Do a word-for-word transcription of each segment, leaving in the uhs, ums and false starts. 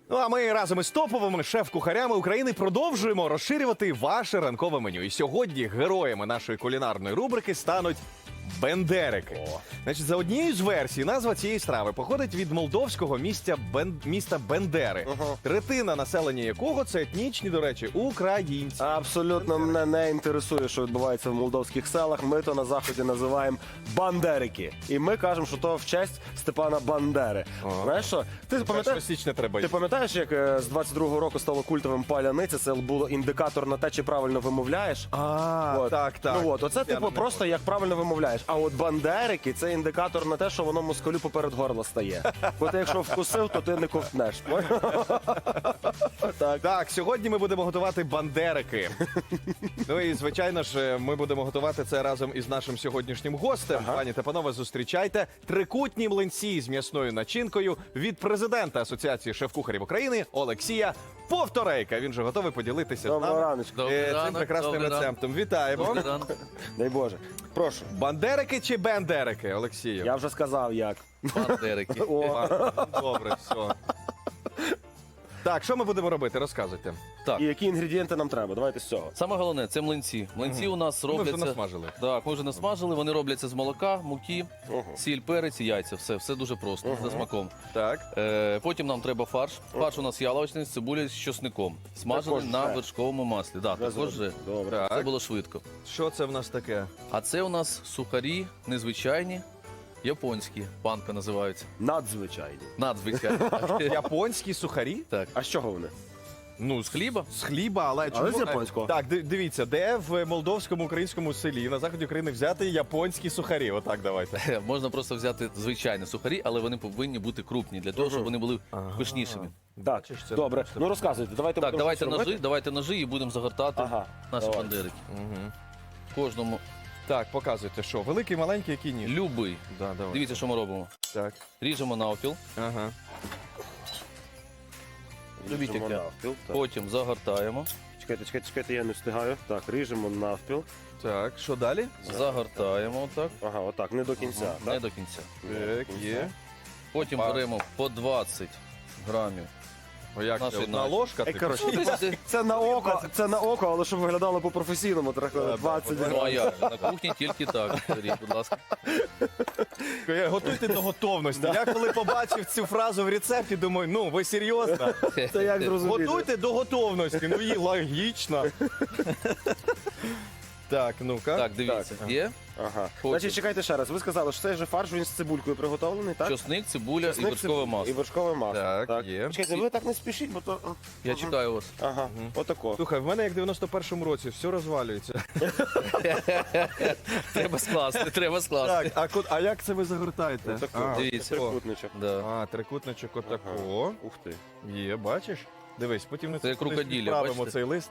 Ну а ми разом із топовими шеф-кухарями України продовжуємо розширювати ваше ранкове меню. І сьогодні героями нашої кулінарної рубрики стануть бендерики. О. Значить, за однією з версій, назва цієї страви походить від молдовського міста, Бен... міста Бендери, Ага. третина населення якого це етнічні, до речі, українці. Абсолютно мене не інтересує, що відбувається в молдовських селах. Ми то на заході називаємо бандерики. І ми кажемо, що то в честь Степана Бандери. Ага. Знаєш що? Ти пам'ятаєш? першого січня треба Ти йти. пам'ятаєш, як е, з двадцять другого року стало культовим паляниця? Це було індикатор на те, чи правильно вимовляєш. А, От. так, так. Ну от, оце Я типу не просто як правильно вимовляєш. А от бандерики це індикатор на те, що воно москалю поперед горла стає. Бо ти якщо вкусив, то ти не ковтнеш. Так. Так, сьогодні ми будемо готувати бандерики. Ну і звичайно ж, ми будемо готувати це разом із нашим сьогоднішнім гостем. Ага. Пані та панове, зустрічайте трикутні млинці з м'ясною начинкою від президента Асоціації шеф-кухарів України Олексія Повторейка. Він же готовий поділитися з Доброго нами раночку. е, цим ранок, прекрасним добрий ранок. рецептом. Вітаємо. Добрий ранок. Дай Боже. Прошу. Бандерики чи бендерики, Олексію? Я вже сказав як. Бандерики. О. Добре, все. Так, що ми будемо робити? Розказуйте. Так, І які інгредієнти нам треба? Давайте з цього. саме головне це млинці. Млинці у нас Ми вже робляться. насмажили. Так, ми вже насмажили. Вони робляться з молока, муки, Ого. сіль, перець і яйця. Все, все дуже просто, за смаком. Так. Е, потім нам треба фарш. Фарш у нас яловичний з цибулею з чосником. Смажений Також на вже. вершковому маслі. Да, Вже також вже. Добре. Це Так. було швидко. Що це в нас таке? А це у нас сухарі, незвичайні, японські. Панка називаються. Надзвичайні. Надзвичайні. Японські сухарі? Так. А з чого вони? Ну, з хліба? З хліба, але Але чому? з японського. Так, ди- дивіться, де в молдовському українському селі на заході України взяти японські сухарі? Отак давайте. Можна просто взяти звичайні сухарі, але вони повинні бути крупні, для того, щоб вони були Ага. пишнішими. Так, Бачиш, це добре. просто- Ну розказуйте, давайте Так, будемо давайте щось робити. ножи, давайте ножи і будемо загортати Ага. наші давай. бандерики. Угу. Кожному Так, показуйте, що? Великий, маленький, який ні? любий. Да, давай. Дивіться, що ми робимо. Так. Ріжемо навпіл, Ага. Любіть Ріжемо таке. навпіл. Так. потім загортаємо, Чекайте, чекайте, чекайте, я не встигаю. Так, ріжемо навпіл. Так, що далі? загортаємо отак, Ага, отак, не до кінця. не Так? до кінця. Так, є. Потім Опа. беремо по двадцять грамів. О, як Наші це? Одна наші. ложка? Ей, типу? коротше, Ну, десь- Це на око, це на око, але щоб виглядало по-професійному, трохи Да, двадцять да, Ну а грамів. як? На кухні тільки так. Беріть, будь ласка. Е, Готуйте до готовності. Я коли побачив цю фразу в рецепті, думаю, ну ви серйозно? Це як зрозуміти? Готуйте до готовності. Ну і логічно. Так, ну-ка. Так, дивіться. Так. Є Ага. Потім. Значить, чекайте ще раз. Ви сказали, що цей же фарш він з цибулькою приготовлений, так? чосник, цибуля Чесник, і вершкове цибуль- масло. І вершкове масло. Так, є. Чекайте, ви так не спішіть, бо то... Я чекаю вас. Ага, отако. Слухай, в мене як в дев'яносто першому році, все розвалюється. Треба скласти, треба скласти. Так, а, ко- а як це ви загортаєте? Отако. А, Дивіться. Трикутничок. Да. а, трикутничок отако. Ух ти. Є, бачиш? Дивись, потім ми Це як крокодилля, відправимо бачите? цей лист.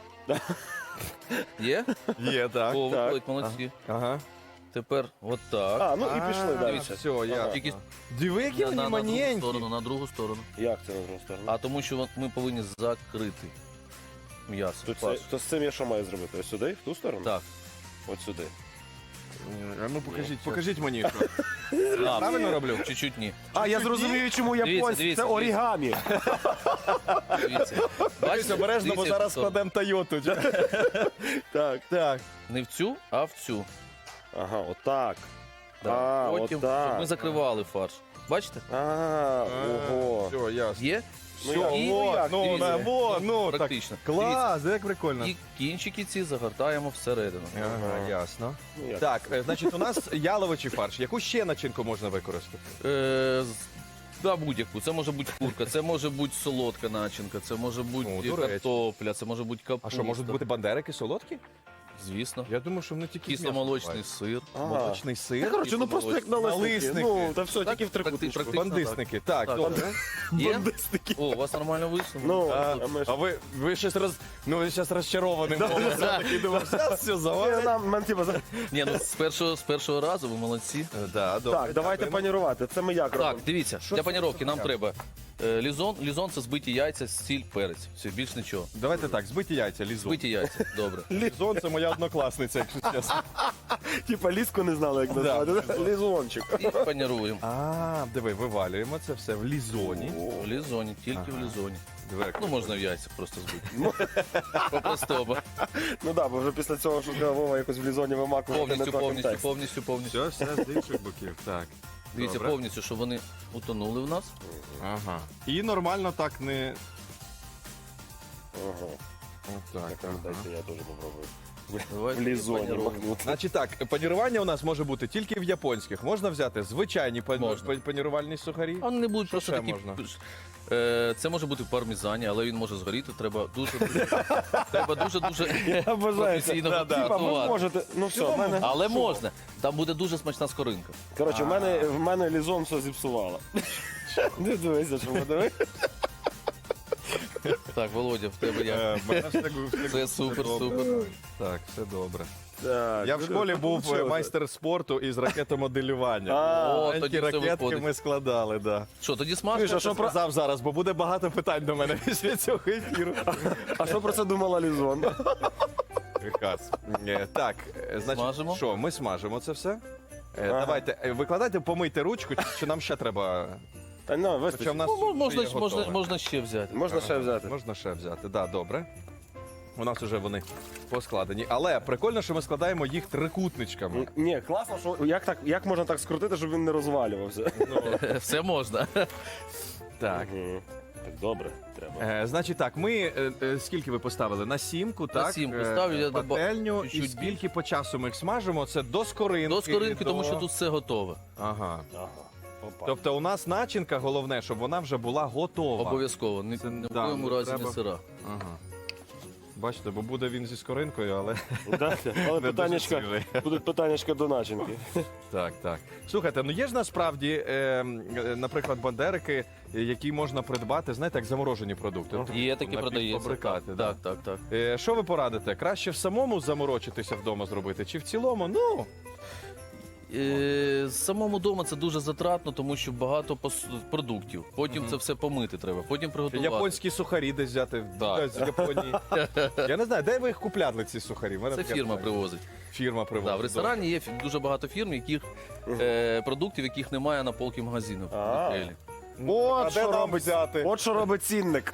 Є? Є, так. О, так. виходить, молодці. Ага. Тепер отак. А, ну і пішли далі. дивіться. Все, я. Ага. Тільки Диви, які на, вони на, на другу маненькі. сторону, на другу сторону. Як це на другу сторону? А тому, що ми повинні закрити м'ясо. То, це, фарш. то з цим я що маю зробити? Ось сюди, в ту сторону? Так. От сюди. А ну покажіть, покажіть мені, що. А, Правильно роблю? Чуть-чуть ні. А, я зрозумію, чому японці. дивіться, Це орігамі. Дивіться. Дивись, Бачите? обережно, бо Дивіться, зараз що складемо Тойоту. Так, так. Не в цю, а в цю. Ага, отак. Да. А, Потім щоб отак. ми закривали фарш. Бачите? А, ого. Все, ясно. Є? Ну, Все, як? І- во, як? ну, Дивіться. на, во, ну, так. Практично. Клас, як прикольно. І кінчики ці загортаємо всередину. Ага, ясно. Ну, як? Так, е, значить, у нас яловичий фарш. Яку ще начинку можна використати? Е, з- Да, будь-яку. Це може бути курка, це може бути солодка начинка, це може бути О, до речі. картопля, це може бути А капуста. що, можуть бути бандерики солодкі? Звісно. Я думаю, що вони тільки з Кисломолочний м'ясом сир. Ага. бувають. Молочний Та, сир. коротше, ну просто як налисники. Налисники. Ну, та все, Так, тільки в трикутничку. практи- практи- Бандисники. Так, Так. добре. Є? Бандисники. О, у вас нормально вийшло? Ну, А, а ми ж... а ви, ви щось роз... Ну, ви зараз розчарованим голосом такий думав, зараз все Е, завалить. нам, нам, типу, за- Ні, ну з першого, з першого разу ви молодці. Да, добре. Так, давайте панірувати. Це ми як робимо? Так, дивіться, Що для це паніровки за нам таке? треба Е, Лізон, лізон це збиті яйця, сіль, перець. Все, більш нічого. Давайте так, збиті яйця, лізон. Збиті яйця, добре. Лізон це моя однокласниця, якщо чесно. Типа ліску не знали, як назвати. да? Лізончик. І паніруємо. А, диви, вивалюємо це все в лізоні. В лізоні, тільки в лізоні. Диви, як Ну, можна в яйцях просто збити. По-простому. Ну так, бо вже після цього, що сказав Вова якось в лізоні вимакувати не Повністю, той повністю, контекст. повністю, повністю. Все, все з інших боків. Так. Дивіться, Добре. повністю, щоб вони утонули в нас. Ага. І нормально так не. Ага. Отак. Так, ага. дайте я теж попробую. Давайте В лізоні паніруємо. махнути. Значить так, панірування у нас може бути тільки в японських. Можна взяти звичайні пан- Можна. пан- панірувальні сухарі. А вони не будуть просто ще такі. можна? Е, Це може бути в пармезані, але він може згоріти. Треба дуже треба дуже дуже Я бажаю. професійно Да, да. Типа, ви готувати. можете. Ну все, в мене. Але можна. Там буде дуже смачна скоринка. Коротше, в мене, в мене лізон все зіпсувало. Не дивися, що подиви. Так, Володя, в тебе як? Е, в мене все гу- все Це гу- супер, все добре. супер. Так, все добре. Так, Я в школі був е, майстер спорту із ракетомоделювання. А, О, Маленькі тоді все ракетки виходить. ми складали, да. Що, тоді Чуєш, смажка? а Що що про- сказав зараз, бо буде багато питань до мене після цього ефіру. А що про це думала лізон? Хас. Е, Так, е, значить, Смажимо? що, ми смажимо це все. Е, Ага. Давайте, е, викладайте, помийте ручку, чи- чи нам ще треба. Та ну, Хоча в вистачить. нас Ну, можна, є можна, готове. можна ще взяти. Можна ще взяти. Можна ще взяти, да, добре. У нас вже вони поскладені. Але прикольно, що ми складаємо їх трикутничками. Ні, класно, що як так, як можна так скрутити, щоб він не розвалювався. Все можна. Так. Мгм. Так добре, треба. Е, значить так, ми е, е, скільки ви поставили? На сімку, так? сімку Е, ставлю, я доба- пательню. І чуть-чуть скільки по часу ми їх смажимо? Це до скоринки. До скоринки, до- тому що тут все готове. Ага. Ага. Опа. Тобто у нас начинка, головне, щоб вона вже була готова. Обов'язково. Ні, Це- ні в да, коєму ну, разі треба- не сира. Ага. Бачите, бо буде він зі скоринкою, але Да, але не дуже питаннячка, свіжий. будуть питаннячка до начинки. Так, так. Слухайте, ну є ж насправді, е, е, наприклад, бандерики, е, які можна придбати, знаєте, як заморожені продукти. Ну, Є такі продається. напівфабрикати, да. Так, так, так. Е, Що ви порадите? Краще в самому заморочитися вдома зробити, чи в цілому? Ну, Е, Самому вдома це дуже затратно, тому що багато пос- продуктів. Потім це все помити треба, потім приготувати. японські сухарі десь взяти Так. з Японії. Я не знаю, де ви їх купляли, ці сухарі? В мене Це таке фірма питання. привозить. Фірма привозить. Да, в ресторані є фі- дуже багато фірм, яких е, продуктів, яких немає на полки магазину. А. А От де що нам робить взяти? От що робить цінник.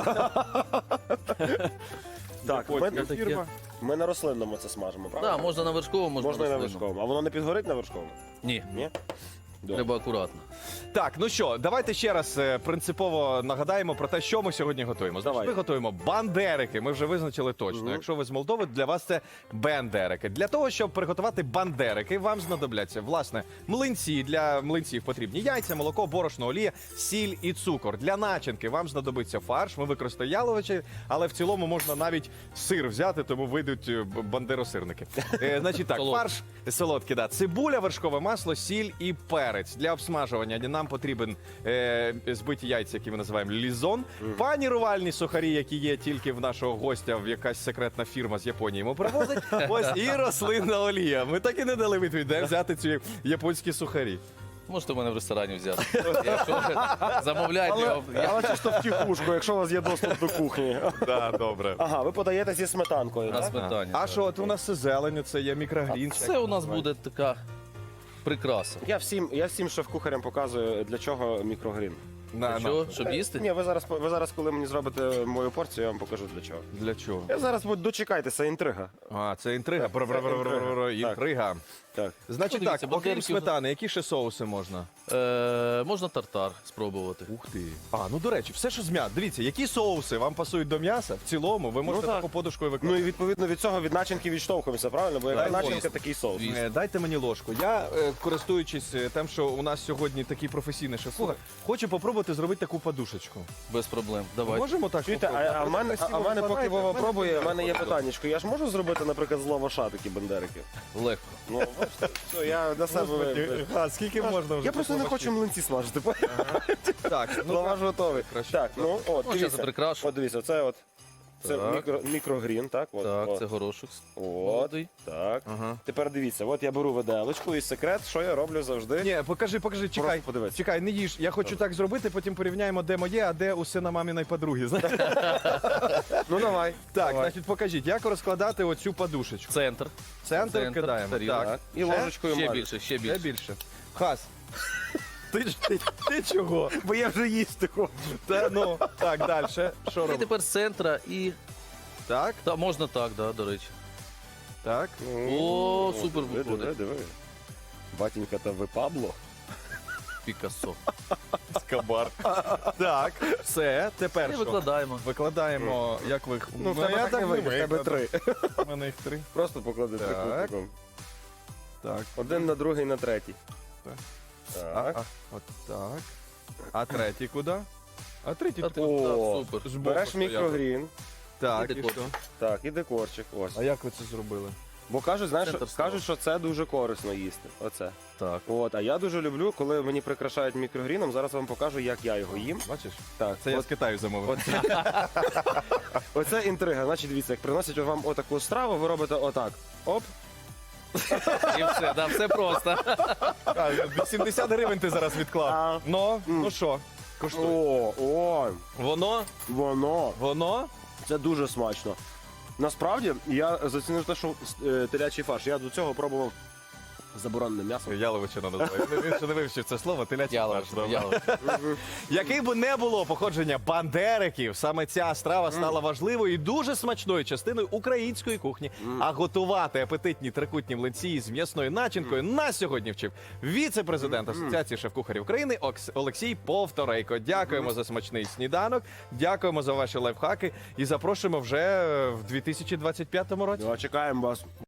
Так, ми, Японська таке. фірма. ми на рослинному це смажемо, правда? Так, можна на вершковому, можна, Можна і на рослинному. вершковому. А воно не підгорить на вершковому? Ні, Ні? Добре. треба акуратно. Так, ну що, давайте ще раз е, принципово нагадаємо про те, що ми сьогодні готуємо. Значить, Давай. ми готуємо бандерики. Ми вже визначили точно. Мгм. Якщо ви з Молдови, для вас це бендерики. Для того, щоб приготувати бандерики, вам знадобляться власне млинці. Для млинців потрібні яйця, молоко, борошно, олія, сіль і цукор. Для начинки вам знадобиться фарш. Ми використаємо яловичі, але в цілому можна навіть сир взяти, тому вийдуть е, б- бандеросирники. Е, Значить так, Солодкий. фарш солодкий, да. Цибуля, вершкове масло, сіль і перець. Для обсмажування нам потрібен е, збиті яйця, які ми називаємо лізон, панірувальні сухарі, які є тільки в нашого гостя, в якась секретна фірма з Японії йому привозить. Ось і рослинна олія. Ми так і не дали відповідь, де взяти ці японські сухарі. Можете в мене в ресторані взяти. Якщо замовляйте, Але, я- я- але чисто втіхушку, якщо у вас є доступ до кухні. Так, добре. Ага, ви подаєте зі сметанкою, на так? сметані. А що, от у нас це зелень, це є мікрогрін. Це у нас буде така прикраса. Я всім, я всім шеф-кухарям показую, для чого мікрогрін. На, Що, на. щоб їсти? Ні, ви зараз, ви зараз, коли мені зробите мою порцію, я вам покажу для чого. Для чого? Я зараз буду- дочекайтеся, інтрига. А, це інтрига. Бр-бр-бр-бр-бр. Так. Інтрига. Так. Значить Ну, дивіться, так, окрім бандериків- сметани, які ще соуси можна? Е, можна тартар спробувати. Ух ти. А, ну до речі, все що з м'яса. Дивіться, які соуси вам пасують до м'яса, в цілому ви можете так. таку подушкою Ну використати. і відповідно від цього від начинки відштовхуємося, правильно? Бо яка Так, начинка, звісно. такий соус. Звісно. Е, Дайте мені ложку. Я, е, користуючись е, тим, що у нас сьогодні такий професійний шеф-кухар, хочу попробувати зробити таку подушечку. Без проблем. Давай. Можемо так? Чуєте, попробувати? а, а в мене, а, а в мене поки Викладайте, Вова в мене пробує, в мене є виходить. питаннячко. Я ж можу зробити, наприклад, з лаваша такі бандерики? Легко. Ну, бачите, все, я на себе... Господи, а скільки можна вже? Я просто не такого хочу млинці смажити. Так, ну Лаваш готовий. краще. Так, ну от, Ну, зараз дивіться. прикрашу. От дивіться, це от Це Так. мікро, мікрогрін, так? От, Так, от. це горошок. От, Молодий. так. Ага. Тепер дивіться, от я беру виделочку і секрет, що я роблю завжди. Ні, покажи, покажи, чекай. Просто подивись. Чекай, не їж. Я хочу так зробити, потім порівняємо, де моє, а де у сина маміної подруги. знаєш? Ну давай. Так, давай. значить, покажіть, як розкладати оцю подушечку. Центр. Центр, Центр, кидаємо. тарілка. Так. І Ще? ложечкою Ще мажу. більше, ще Ще більше. більше. Хас. Ти, ж- ти, ти чого? Бо я вже їсти хочу. Та, ну, так, далі. Що І робимо? тепер з центра і... Так, Та, можна так, да, до речі. так. О, супер диви, виходить. диви, диви. Батінька, та ви Пабло? Пікассо. Скабар. Так, все, тепер І що? викладаємо. Викладаємо, як ви... Ну, в тебе я так не вийде, в тебе викладу. три. У мене їх три. Просто поклади Так. трикутником. Так. Один на другий, на третій. Так. Так. А, а, от так. А третій куди? А третій Та під- тут, О, так, супер. збоку Береш стояти. мікрогрін. Так, І і декор. що? Так, і декорчик. Ось. А як ви це зробили? Бо кажуть, знаєш, Центр що- стола. кажуть, що це дуже корисно їсти. Оце. Так. От, а я дуже люблю, коли мені прикрашають мікрогріном. Зараз вам покажу, як я його їм. Бачиш? Так, Це я от, з Китаю замовив. от, оце інтрига. Значить, дивіться, як приносять вам отаку страву, ви робите отак. Оп. І все, да, все просто. А, вісімдесят гривень ти зараз відклав. А. Ну, ну що? Коштує. О, о, Воно, воно. воно. Це дуже смачно. Насправді, я зацінив те, що е, телячий фарш. Я до цього пробував заборонене м'ясо. Яловичина називає. Він ще не вивчив це слово, телячий Ялович, фарш. добре. ялович. Який би не було походження бандериків, саме ця страва стала важливою і дуже смачною частиною української кухні. А готувати апетитні трикутні млинці з м'ясною начинкою нас сьогодні вчив віце-президент Асоціації шеф-кухарів України Окс- Олексій Повторейко. Дякуємо за смачний сніданок, дякуємо за ваші лайфхаки і запрошуємо вже в дві тисячі двадцять п'ятому році. Ну, а чекаємо вас.